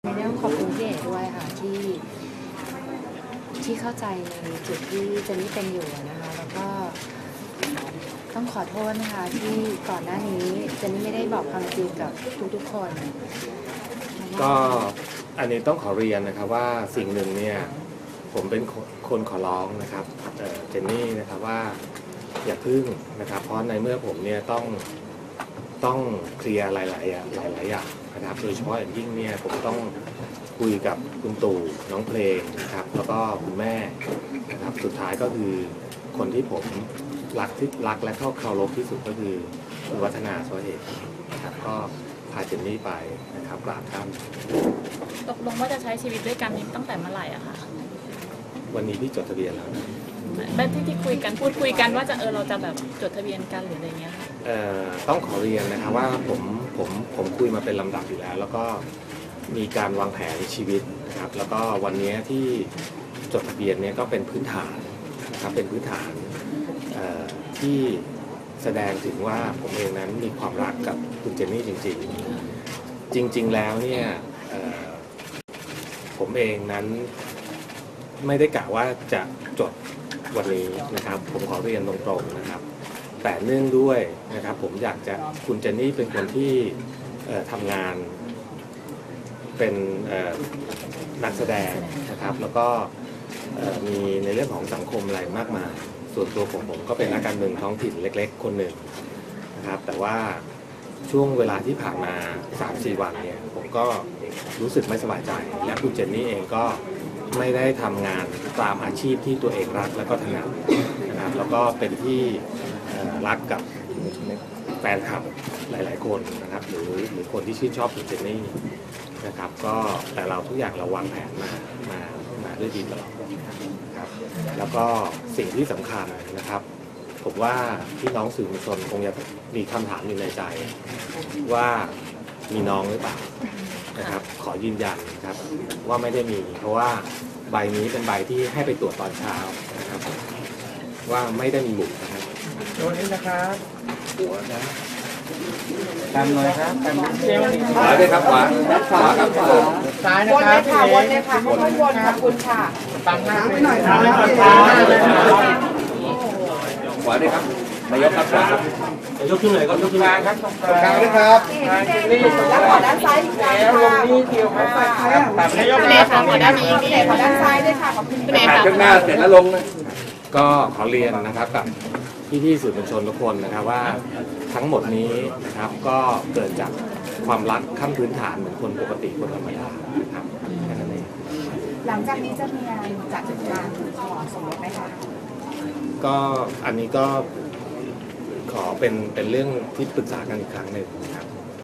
ในเรื่องขอบคุณพี่เอกด้วยค่ะที่เข้าใจในจุดที่เจนนี่เป็นอยู่นะคะแล้วก็ต้องขอโทษนะคะที่ก่อนหน้านี้เจนนี่ไม่ได้บอกความจริงกับทุกๆคนก็อันนี้ต้องขอเรียนนะครับว่าสิ่งหนึ่งเนี่ยผมเป็นคนขอร้องนะครับเจนนี่นะครับว่าอย่าพึ่งนะครับเพราะในเมื่อผมเนี่ยต้องเคลียร์หลายอย่างนะครับโดยเฉพาะอย่างยิ่งเนี่ยผมต้องคุยกับคุณตู่น้องเพลงนะครับแล้วก็คุณแม่นะครับสุดท้ายก็คือคนที่ผมรักและเข้าเคารพที่สุดก็คือคุณวัฒนาสวเหตุนะครับก็พาเจนนี่ไปนะครับกราบท่านตกลงว่าจะใช้ชีวิตด้วยกันนี้ตั้งแต่เมื่อไหร่อะคะวันนี้พี่จดทะเบียนแล้วนะแบบที่พูดคุยกันว่าเราจะแบบจดทะเบียนกันหรืออะไรเงี้ยค่ะต้องขอเรียนนะครับว่าผมคุยมาเป็นลำดับอยู่แล้วแล้วก็มีการวางแผนชีวิตนะครับแล้วก็วันนี้ที่จดทะเบียนเนี่ยก็เป็นพื้นฐานนะครับเป็นพื้นฐานที่แสดงถึงว่าผมเองนั้นมีความรักกับคุณเจนนี่จริงแล้วเนี่ยผมเองนั้นไม่ได้กะว่าจะจดวันนี้นะครับผมขอเรียนตรงๆนะครับแต่เนื่องด้วยนะครับผมอยากจะคุณเจนนี่เป็นคนที่ทำงานเป็นนักแสดงนะครับแล้วก็มีในเรื่องของสังคมอะไรมากมายส่วนตัวผมก็เป็นนักการเมืองท้องถิ่นเล็กๆคนหนึ่งนะครับแต่ว่าช่วงเวลาที่ผ่านมา 3-4 วันเนี่ยผมก็รู้สึกไม่สบายใจและคุณเจนนี่เองก็ไม่ได้ทำงานตามอาชีพที่ตัวเองรักและก็ถนัดนะครับแล้วก็เป็นที่รักกับแฟนคลับหลายๆคนนะครับหรือคนที่ชื่นชอบคุณเจนนี่นะครับก็แต่เราทุกอย่างเราวางแผนมาด้วยดีตลอดครับแล้วก็สิ่งที่สำคัญนะครับผมว่าพี่น้องสื่อมวลชนคงจะมีคำถามอยู่ในใจว่ามีน้องหรือเปล่านะครับขอยืนยันนะครับว่าไม่ได้มีเพราะว่าใบนี้เป็นใบที่ให้ไปตรวจตอนเช้านะครับว่าไม่ได้มีบุตรนะครับตัวนี้นะครับหัวนะตามเลยครับตามเจ้าขวาด้วยครับขวาครับซ้ายนะครับวนเลยค่ะค่อยๆวนค่ะคุณค่ะตามหน้าไปหน่อยครับขวาด้วยครับนายกครับขวาครับยกขึ้นเลยครับยกขึ้นครับตรงกลางนะครับแล้วขอด้านซ้ายอีกครั้งค่ะลงนี่เกี่ยวครับตามนายกค่ะขอด้านนี้ขอด้านซ้ายด้วยค่ะขอบคุณถ่ายข้างหน้าเสร็จแล้วลงก็ขอเรียนนะครับกับพี่สื่อมวลชนทุกคนนะครับว่าทั้งหมดนี้นะครับก็เกิดจากความรักขั้นพื้นฐานเหมือนคนปกติคนธรรมดานะครับแค่นั้นเองหลังจากนี้จะมีอะไรจัดการขอสมรสไหมคะก็อันนี้ก็ขอเป็นเรื่องที่ปรึกษากันอีกครั้งหนึ่งครับ